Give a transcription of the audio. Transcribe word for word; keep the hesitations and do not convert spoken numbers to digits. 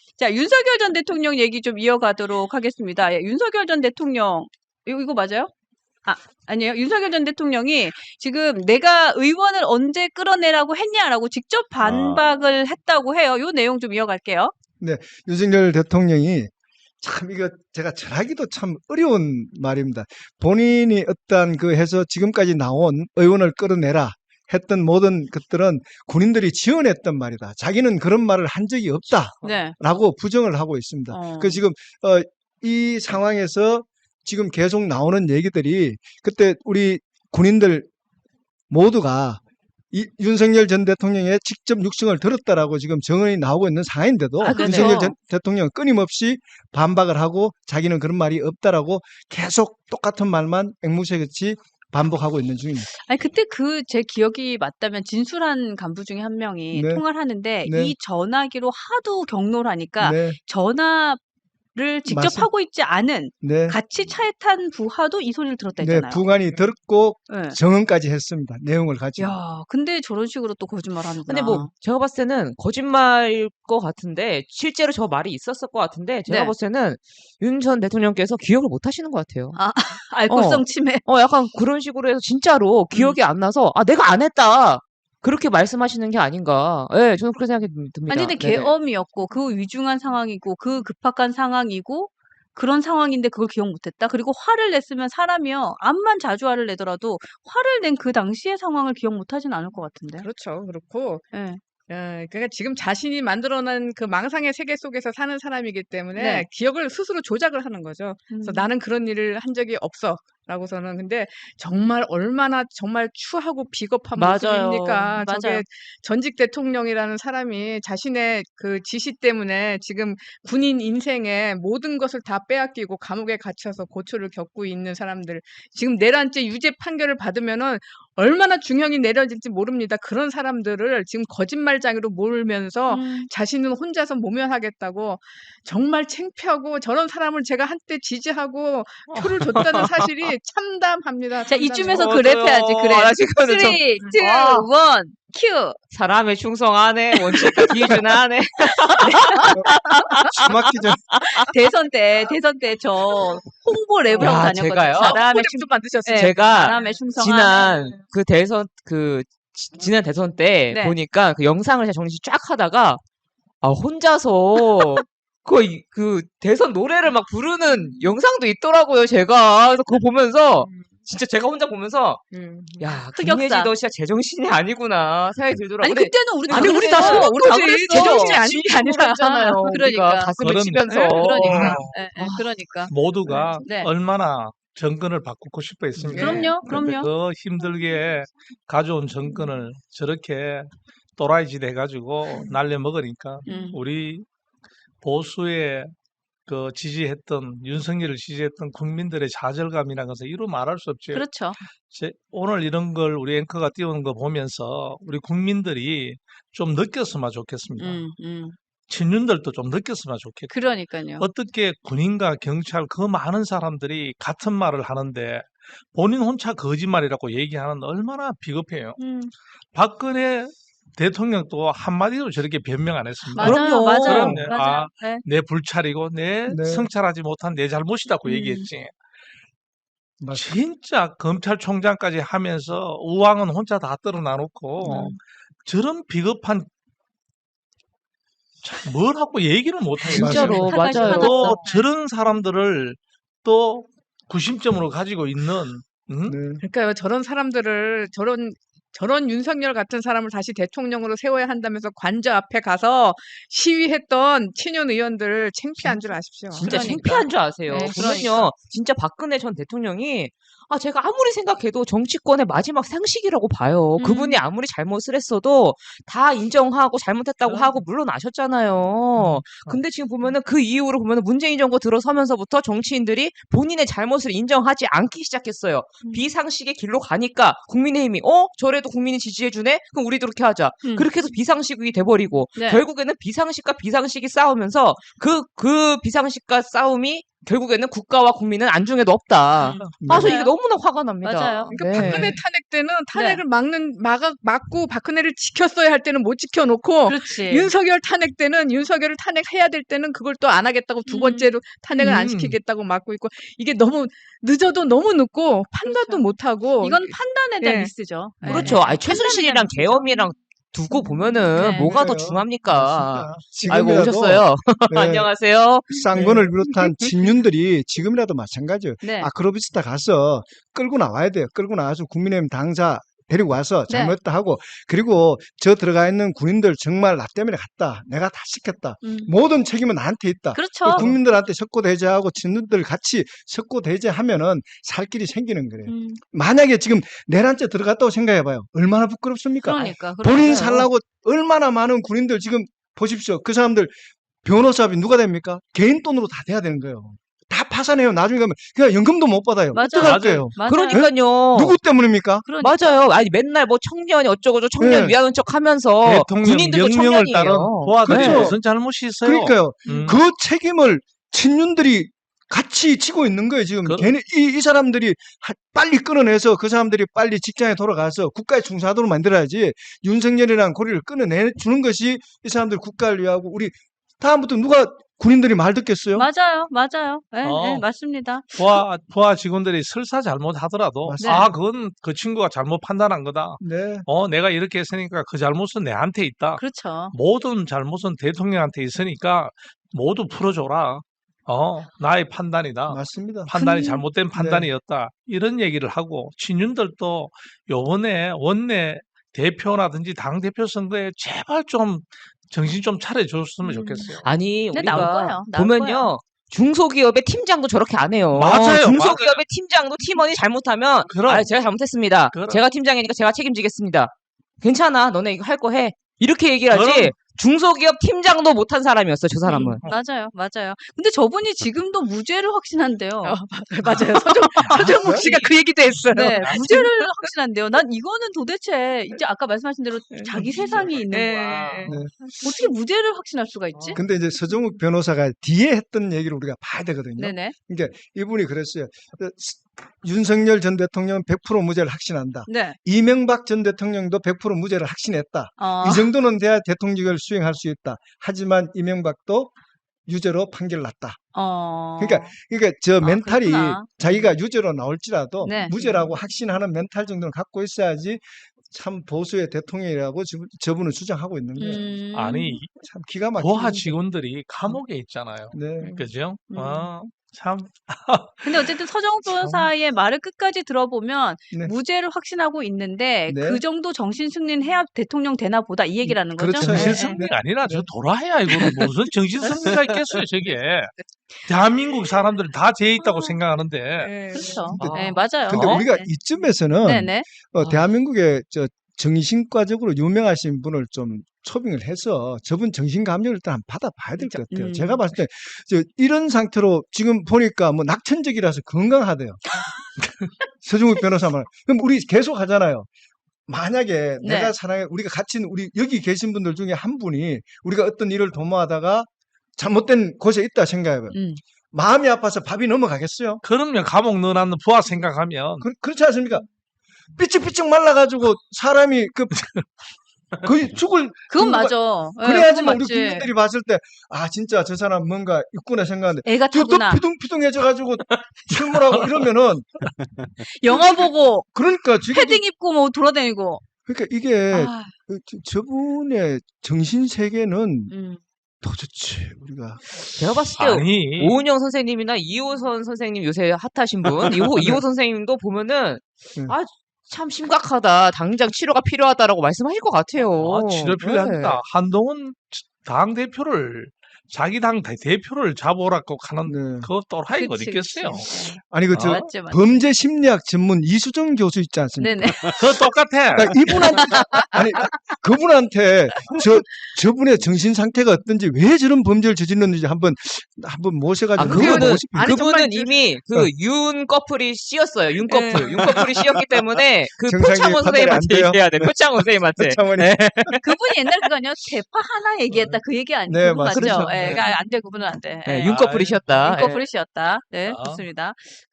자, 윤석열 전 대통령 얘기 좀 이어가도록 하겠습니다. 예, 윤석열 전 대통령, 이거, 이거 맞아요? 아, 아니에요. 윤석열 전 대통령이 지금 내가 의원을 언제 끌어내라고 했냐라고 직접 아, 반박을 했다고 해요. 요 내용 좀 이어갈게요. 네, 윤석열 대통령이 참 이거 제가 전하기도 참 어려운 말입니다. 본인이 어떤 그 해서 지금까지 나온 의원을 끌어내라 했던 모든 것들은 군인들이 지원했던 말이다. 자기는 그런 말을 한 적이 네. 없다라고 부정을 하고 있습니다. 어, 그 지금 어, 이 상황에서 지금 계속 나오는 얘기들이 그때 우리 군인들 모두가 이 윤석열 전 대통령의 직접 육성을 들었다라고 지금 증언이 나오고 있는 상황인데도 아, 그렇죠. 윤석열 전 대통령은 끊임없이 반박을 하고 자기는 그런 말이 없다라고 계속 똑같은 말만 앵무새같이 반복하고 있는 중입니다. 아니, 그때 그 제 기억이 맞다면 진술한 간부 중에 한 명이 네, 통화를 하는데 네, 이 전화기로 하도 경로를 하니까 네, 전화를 직접 맞습니다. 하고 있지 않은 네, 같이 차에 탄 부하도 이 소리를 들었다 네, 했잖아요. 부관이 들었고 예. 정언까지 했습니다. 내용을 가지고. 야, 근데 저런 식으로 또 거짓말 근데 뭐 하는구나. 제가 봤을 때는 거짓말일 것 같은데 실제로 저 말이 있었을 것 같은데 제가 네. 봤을 때는 윤 전 대통령께서 기억을 못 하시는 것 같아요. 아, 알코올성 어, 치매. 어, 약간 그런 식으로 해서 진짜로 음. 기억이 안 나서 아 내가 안 했다 그렇게 말씀하시는 게 아닌가. 예, 저는 그렇게 생각이 듭니다. 아니, 근데 네네. 계엄이었고, 그 위중한 상황이고, 그 급박한 상황이고, 그런 상황인데 그걸 기억 못했다? 그리고 화를 냈으면 사람이요. 암만 자주 화를 내더라도 화를 낸 그 당시의 상황을 기억 못하진 않을 것 같은데. 그렇죠. 그렇고 예. 어, 그러니까 지금 자신이 만들어낸 그 망상의 세계 속에서 사는 사람이기 때문에 네. 기억을 스스로 조작을 하는 거죠. 그래서 음. 나는 그런 일을 한 적이 없어. 라고서는 근데 정말 얼마나 정말 추하고 비겁한 맞아요. 모습입니까? 저게 맞아요. 전직 대통령이라는 사람이 자신의 그 지시 때문에 지금 군인 인생의 모든 것을 다 빼앗기고 감옥에 갇혀서 고초를 겪고 있는 사람들 지금 내란죄 유죄 판결을 받으면은 얼마나 중형이 내려질지 모릅니다. 그런 사람들을 지금 거짓말장애로 몰면서 음. 자신은 혼자서 모면하겠다고 정말 창피하고 저런 사람을 제가 한때 지지하고 표를 줬다는 사실이 참담합니다. 자, 참담해요. 이쯤에서 어, 그랩 저요. 해야지, 그랩. 아, 지금은 좀- 쓰리, 투, 아. 원, 큐. 사람의 충성하네 원칙과 기준하네. 숨막히 전 대선 때, 대선 때 저 홍보 랩을 야, 하고 다녔거든요. 제가요? 사람의 도 만드셨어요. 네, 제가 사람의 충성하네. 지난 그 대선 그 지- 지난 대선 때 네. 보니까 그 영상을 제가 정리 쫙 하다가 아 혼자서 그, 이- 그 대선 노래를 막 부르는 영상도 있더라고요, 제가. 그래서 그거 보면서 진짜 제가 혼자 보면서 음. 야, 흑역사. 김예지 너 진짜 제정신이 아니구나 생각이 들더라고요. 아니, 근데 그때는 우리 다 아니, 우리 그랬어. 다 그런 우리 다 거지. 그랬어. 제정신이 아닌 아닌 게 게 아니라. 아니잖아요. 우리가 그러니까. 가슴을 그런- 치면서. 예, 그러니까. 어. 예, 예, 그러니까. 모두가 네. 얼마나 정권을 바꾸고 싶어 했습니까? 그럼요, 근데 그럼요. 그 힘들게 가져온 정권을 저렇게 또라이 짓 해가지고 날려먹으니까 음. 우리 보수의 그 지지했던 윤석열을 지지했던 국민들의 좌절감이라는 것은 이루 말할 수 없죠. 그렇죠. 제- 오늘 이런 걸 우리 앵커가 띄우는 거 보면서 우리 국민들이 좀 느꼈으면 좋겠습니다. 음, 음. 친윤들도 좀 느꼈으면 좋겠고. 그러니까요. 어떻게 군인과 경찰 그 많은 사람들이 같은 말을 하는데 본인 혼자 거짓말이라고 얘기하는 얼마나 비겁해요. 음. 박근혜 대통령도 한마디로 저렇게 변명 안 했습니다. 맞아요, 그럼요. 맞아요. 그런데 맞아요. 아, 네. 내 불찰이고 내 네. 성찰하지 못한 내 잘못이라고 음. 얘기했지. 맞습니다. 진짜 검찰총장까지 하면서 우왕은 혼자 다 떨어놔놓고 음. 저런 비겁한 참 뭘 하고 얘기를 못하겠어요. 진짜로 화가 맞아요. 화났어. 또 저런 사람들을 또 구심점으로 가지고 있는 응? 네. 그러니까요. 저런 사람들을 저런 저런 윤석열 같은 사람을 다시 대통령으로 세워야 한다면서 관저 앞에 가서 시위했던 친윤 의원들 창피한 줄 아십시오. 진짜 그러니까. 창피한 줄 아세요. 네, 보면요, 그러니까. 진짜 박근혜 전 대통령이 아 제가 아무리 생각해도 정치권의 마지막 상식이라고 봐요. 음. 그분이 아무리 잘못을 했어도 다 인정하고 잘못했다고 그럼. 하고 물러나셨잖아요. 근데 지금 보면은 그 이후로 보면은 문재인 정부 들어서면서부터 정치인들이 본인의 잘못을 인정하지 않기 시작했어요. 음. 비상식의 길로 가니까 국민의힘이 어 저래도 국민이 지지해주네? 그럼 우리도 그렇게 하자. 음. 그렇게 해서 비상식이 돼버리고 네. 결국에는 비상식과 비상식이 싸우면서 그, 그 비상식과 싸움이 결국에는 국가와 국민은 안중에도 없다. 음. 아, 저 맞아요. 이게 너무나 화가 납니다. 맞아요. 그러니까 네. 박근혜 탄핵 때는 탄핵을 막는 막아 막고 박근혜를 지켰어야 할 때는 못 지켜놓고 그렇지. 윤석열 탄핵 때는 윤석열을 탄핵해야 될 때는 그걸 또 안 하겠다고 두 음. 번째로 탄핵을 안 음. 시키겠다고 막고 있고 이게 너무 늦어도 너무 늦고 판단도 그렇죠. 못 하고 이건 판단에 대한 예. 미스죠. 네. 그렇죠. 아니, 최순실이랑 판단에 대한 계엄이랑 두고 보면은 네. 뭐가 더 그래요. 중합니까? 맞습니다. 아이고, 지금이라도 오셨어요. 네, 안녕하세요. 쌍권을 비롯한 친윤들이 지금이라도 마찬가지예요. 네. 아크로비스타 가서 끌고 나와야 돼요. 끌고 나와서 국민의힘 당사 데리고 와서 네. 잘못했다 하고 그리고 저 들어가 있는 군인들 정말 나 때문에 갔다. 내가 다 시켰다. 음. 모든 책임은 나한테 있다. 그렇죠. 국민들한테 석고대죄하고 친윤들 같이 석고대죄하면은 살 길이 생기는 거예요. 음. 만약에 지금 내란죄 들어갔다고 생각해봐요. 얼마나 부끄럽습니까? 그러니까. 본인 그러니까요. 살라고 얼마나 많은 군인들 지금 보십시오. 그 사람들 변호사비 누가 됩니까? 개인 돈으로 다 돼야 되는 거예요. 다 파산해요. 나중에 가면 그냥 연금도 못 받아요. 맞아요. 어떡할 맞아요. 거예요? 맞아요. 그러니까요. 누구 때문입니까? 그러니까. 맞아요. 아니 맨날 뭐 청년이 어쩌고저 청년 네. 위하는 척 하면서 대통령 군인들도 명령을 청년이에요. 따른 부하들이 그렇죠. 무슨 잘못이 있어요? 그러니까요. 음. 그 책임을 친윤들이 같이 지고 있는 거예요. 지금 그- 걔네 이, 이 사람들이 하- 빨리 끌어내서 그 사람들이 빨리 직장에 돌아가서 국가에 충성하도록 만들어야지 윤석열이라는 고리를 끊어내주는 것이 이 사람들 국가를 위하고 우리 다음부터 누가 군인들이 말 듣겠어요? 맞아요. 맞아요. 예, 어. 예, 맞습니다. 부하, 부하 직원들이 설사 잘못하더라도 맞습니다. 아 그건 그 친구가 잘못 판단한 거다. 네. 어 내가 이렇게 했으니까 그 잘못은 내한테 있다. 그렇죠. 모든 잘못은 대통령한테 있으니까 모두 풀어줘라. 어 나의 판단이다. 맞습니다. 판단이 근- 잘못된 판단이었다. 이런 얘기를 하고 친윤들도 요번에 원내 대표라든지 당 대표 선거에 제발 좀 정신 좀 차려줬으면 음. 좋겠어요. 아니 근데 나올 우리가 거예요. 나올 보면요. 거예요. 중소기업의 팀장도 저렇게 안 해요. 맞아요, 중소기업의 팀장도 팀원이 잘못하면 그럼. 아, 제가 잘못했습니다. 그럼. 제가 팀장이니까 제가 책임지겠습니다. 괜찮아. 너네 이거 할 거 해. 이렇게 얘기를 하지. 그럼. 중소기업 팀장도 못한 사람이었어. 저 사람은. 음, 맞아요. 맞아요. 근데 저분이 지금도 무죄를 확신한대요. 어, 맞아요. 서정 서정욱 씨가 그 얘기도 했어요. 네, 무죄를 확신한대요. 난 이거는 도대체 이제 아까 말씀하신 대로 자기 세상이 있는 네, 거야. 네. 네. 어떻게 무죄를 확신할 수가 있지? 근데 이제 서정욱 변호사가 뒤에 했던 얘기를 우리가 봐야 되거든요. 네네. 그러니까 이분이 그랬어요. 그 스- 윤석열 전 대통령은 백 퍼센트 무죄를 확신한다. 네. 이명박 전 대통령도 백 퍼센트 무죄를 확신했다. 어, 이 정도는 돼야 대통령을 수행할 수 있다. 하지만 이명박도 유죄로 판결 났다. 어. 그러니까 그러니까 저 아, 멘탈이 그렇구나. 자기가 유죄로 나올지라도 네. 무죄라고 확신하는 멘탈 정도는 갖고 있어야지 참 보수의 대통령이라고 저- 저분은 주장하고 있는 거예요. 음. 아니 참 기가 막히게. 부하 직원들이 감옥에 있잖아요. 네. 그죠? 음. 어, 참 근데 어쨌든 서정욱 변호사의 말을 끝까지 들어보면 네. 무죄를 확신하고 있는데 네. 그 정도 정신 승리는 해야 대통령 되나 보다 이 얘기라는 거죠. 그렇죠. 네. 정신 네. 승리가 아니라 저 도라해야 이거는 무슨 정신 승리가 있겠어요 저게. 대한민국 사람들 다 죄 있다고 어. 생각하는데 네. 그렇죠. 아. 네, 맞아요. 근데 어? 우리가 네. 이쯤에서는 네네. 어, 아. 대한민국의 저 정신과적으로 유명하신 분을 좀 초빙을 해서 저분 정신감정을 일단 한번 받아봐야 될 것 같아요. 음. 제가 봤을 때 저 이런 상태로 지금 보니까 뭐 낙천적이라서 건강하대요. 서정욱 변호사 말. 그럼 우리 계속 하잖아요. 만약에 네. 내가 사랑해 우리가 같이 있는 우리 여기 계신 분들 중에 한 분이 우리가 어떤 일을 도모하다가 잘못된 곳에 있다 생각해봐요. 음. 마음이 아파서 밥이 넘어가겠어요? 그러면 감옥 넣어놨는 부하 생각하면 그, 그렇지 않습니까? 삐쩍삐쩍 말라가지고 사람이 그 거의 죽을 그건 누가- 맞아. 네, 그래야지만 그건 우리 맞지. 국민들이 봤을 때 아 진짜 저 사람 뭔가 있구나 생각하는데 애가 또 타구나. 피둥피둥해져가지고 출몰하고 이러면은 영화 보고 그러니까 지금 패딩 입고 뭐 돌아다니고. 그러니까 이게 아, 그 저- 저분의 정신 세계는 음. 도대체 우리가 제가 봤을 때 아니 오은영 선생님이나 이호선 선생님 요새 핫하신 분 이호 이호 선생님도 보면은 네. 아 참 심각하다. 당장 치료가 필요하다라고 말씀하실 것 같아요. 아, 치료 네. 필요합니다. 한동훈 당 대표를 자기 당 대- 대표를 잡으라고 하는 네. 그 또라이가 어디 그치, 그치. 있겠어요? 아니 그 저 아, 맞지, 맞지. 범죄 심리학 전문 이수정 교수 있지 않습니까? 네네. 그거 똑같아. 그러니까 이분한테 아니 그분한테 저 저분의 정신 상태가 어떤지 왜 저런 범죄를 저질렀는지 한번 한번 모셔가지고 아, 물어보고 그분은 싶어요. 아니, 그분은 정말 이미 그 어. 윤 커플이 씌었어요. 윤 커플. 네. 윤 커플이 씌었기 때문에 그 정상이 표창원 판단이 안 선생님한테 돼요? 얘기해야 돼. 표창원 선생님한테. 차원이 네. 그분이 옛날 그거 아니야? 대파 하나 얘기했다 그 얘기 아니 네, 그거 맞죠? 맞습니다. 예, 예, 그러니까 안 돼, 그분은 안 돼. 예, 예. 윤커플이셨다. 예. 인커플이셨다. 네, 아. 좋습니다.